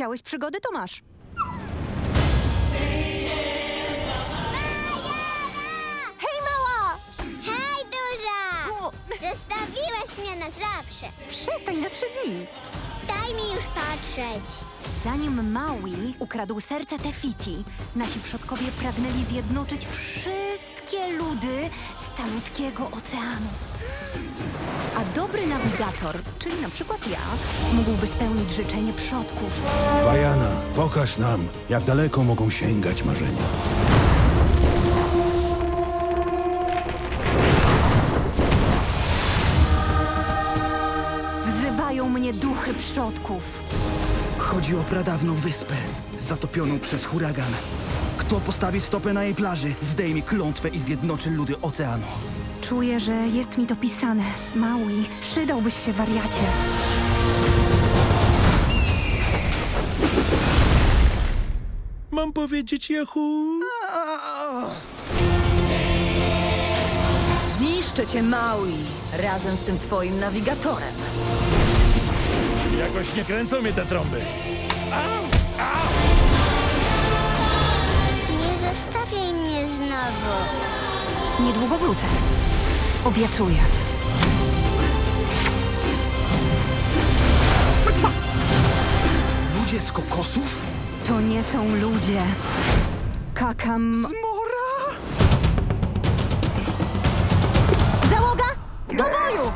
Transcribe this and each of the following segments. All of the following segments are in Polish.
Chciałeś przygody, to masz. Hej, mała! Hej, duża! O, Zostawiłeś mnie na zawsze. przestań na 3 dni. Daj mi już patrzeć. Zanim Maui ukradł serce Tefiti, nasi przodkowie pragnęli zjednoczyć wszystkie ludy z calutkiego oceanu. A dobry nawigator, czyli na przykład ja, mógłby spełnić życzenie przodków. Wajana, pokaż nam, jak daleko mogą sięgać marzenia. Wzywają mnie duchy przodków. Chodzi o pradawną wyspę, zatopioną przez huragan. Kto postawi stopę na jej plaży, zdejmie klątwę i zjednoczy ludy oceanu. Czuję, że jest mi to pisane. Maui, przydałbyś się, wariacie. Mam powiedzieć Yahoo? Zniszczę cię, Maui, razem z tym twoim nawigatorem. Jakoś nie kręcą mnie te trąby. Nie zostawiaj mnie znowu. Niedługo wrócę. Obiecuję. Ludzie z kokosów? To nie są ludzie. Kakam... Mora! Załoga! Do boju!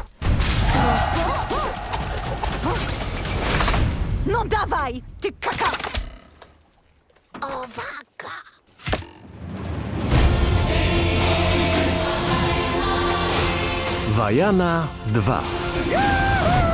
No dawaj, ty kaka... Owaka. Wajana 2.